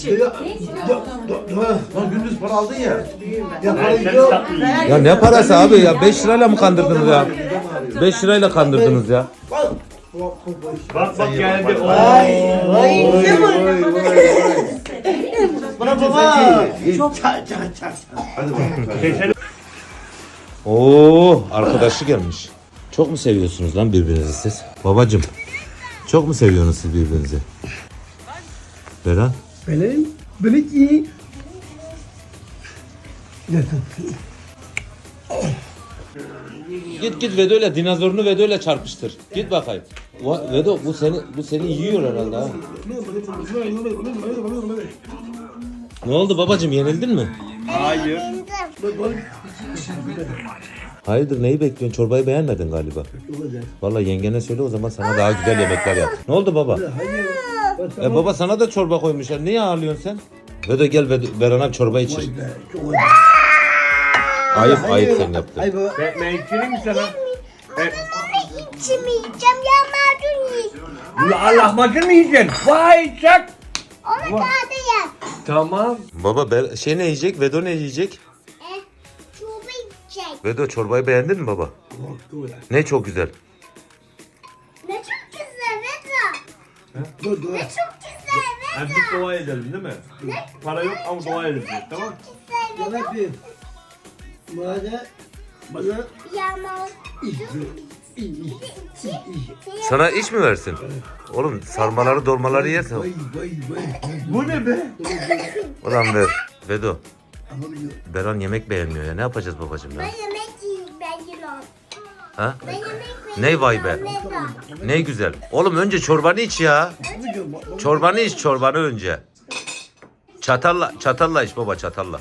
Lan gündüz para aldın ya. Ya ne parası abi ya? 5 lirayla mı kandırdınız ya? 5 lirayla kandırdınız ya. Bak geldi. Bana baba. Oo, arkadaşı gelmiş. Çok mu seviyorsunuz lan birbirinizi siz? Babacım. Çok mu seviyorsunuz siz birbirinizi? Beran? Benim iyi. Git Vedo'yla dinozorunu Vedo'yla çarpıştır. Git bakayım. Vedo bu seni yiyor herhalde ha. Ne oldu babacım, yenildin mi? Hayır. Hayırdır, neyi bekliyorsun? Çorbayı beğenmedin galiba. Vallahi yengene söyle, o zaman sana daha güzel yemekler yap. Ne oldu baba? Baba sana da çorba koymuşlar. Niye ağırlıyorsun sen? Vedo gel Beran'a çorba içir. Ayıp sen yaptın. Ben içireyim mi sana? İçmeyeceğim ya macun yiyeceğim. Ulan lahmacun mu yiyeceksin? Vay çak. Onu kağıda yap. Tamam. Baba ne yiyecek? Vedo ne yiyecek? Çubuğu içecek. Vedo çorbayı beğendin mi baba? Ne çok güzel. Ne çok güzel Vedo. Ne çok güzel Yani Vedo. biz dua edelim değil mi? Para yok ama dua edelim. Tamam. Güzel Vedo. Rabbim. Bana Yağmur. Sana iş mi versin? Oğlum sarmaları dolmaları yersen. Bu ne be? Ulan Vedo. Beran yemek beğenmiyor ya. Ne yapacağız babacığım Ben ya? yemek yiyeyim ben yılan. Ha? Ben yemek Ne vay be? Vedo. Ne güzel. Oğlum önce çorbanı iç ya. Çorbanı iç, çorbanı önce. Çatalla iç baba, çatalla.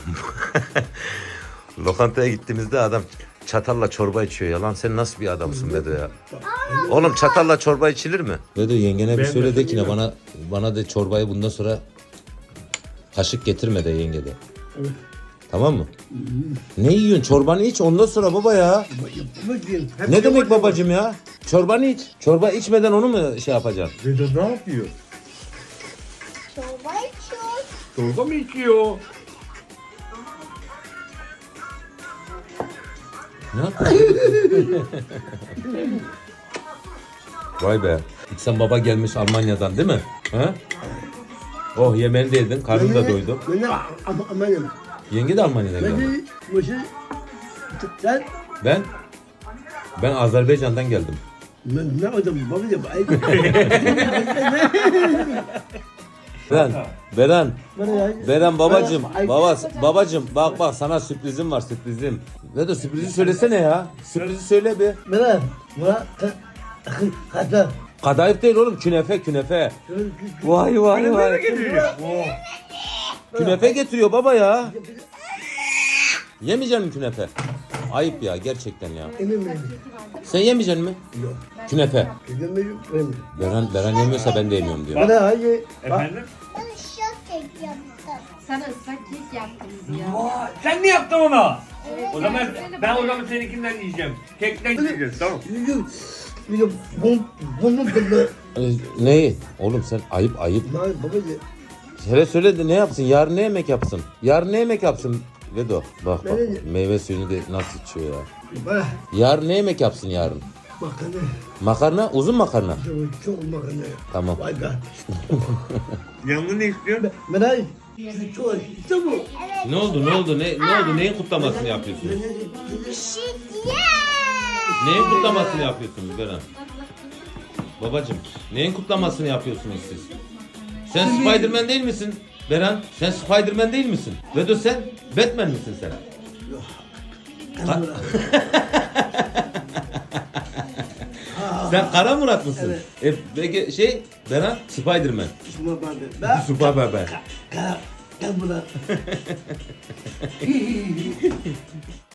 Lokantaya gittiğimizde adam çatalla çorba içiyor ya. Lan sen nasıl bir adamsın Vedo ya? Oğlum çatalla çorba içilir mi? Vedo yengene bir söyle de ki ne, bana de çorbayı bundan sonra kaşık getirme de yenge de. Tamam mı? Ne yiyorsun? Çorbanı iç ondan sonra baba ya. Ne demek babacığım ya? Çorbanı iç. Çorba içmeden onu mu şey yapacaksın? Vedo ne yapıyor? Çorba içiyor. Çorba mı içiyor? Ne yapıyorsun? Vay be. Sen baba gelmiş Almanya'dan değil mi? Ha? Oh yemeğini de yedin. Karnın da doydu. Amanım. Yenge de Almanya'dan geldi. Beni başı sen Ben Azerbaycan'dan geldim. ne adam babacığım. Beren babacım bak sana sürprizim var, sürprizim. Ne de sürprizi söylesene ya. Sürprizi söyle bir. Bana kata. Kadayıf değil oğlum, künefe. Vay. Künefe getiriyor baba ya. Yemeyecek misin künefe? Ayıp ya gerçekten ya. Sen yemeyeceksin mi? Yok. Künefe. Yemedim. Beren yemiyorsa ben de yemiyorum diyor. Bana hayır. Efendim? Ben şok kek yaptım. Sana ıslak kek yaptınız ya. Aa, sen mi yaptın onu? Evet, O zaman evet, ben o zaman seninkinden yiyeceğim. Kekten yiyeceğiz tamam. Neyi? Oğlum sen ayıp. Babacığım. Hele söyle de ne yapsın? Yarın ne yemek yapsın? Vedo bak meyve suyunu da nasıl içiyor ya. Bana Yarın ne yemek yapsın yarın? makarna. Makarna, uzun makarna. Çok makarna. Tamam. Vay be. Yanında ne istiyorsun? Bana çok işte bu. Ne oldu? Ne oldu? Neyin kutlamasını yapıyorsunuz? Neyin kutlamasını yapıyorsunuz Beren? Babacım, neyin kutlamasını yapıyorsunuz siz? Sen Spiderman değil misin? Beren, sen Spiderman değil misin? Vedo sen Batman misin sen? Sen Kara Murat mısın? Evet. Peki Beren Spiderman. Süper bebe. Gel buna.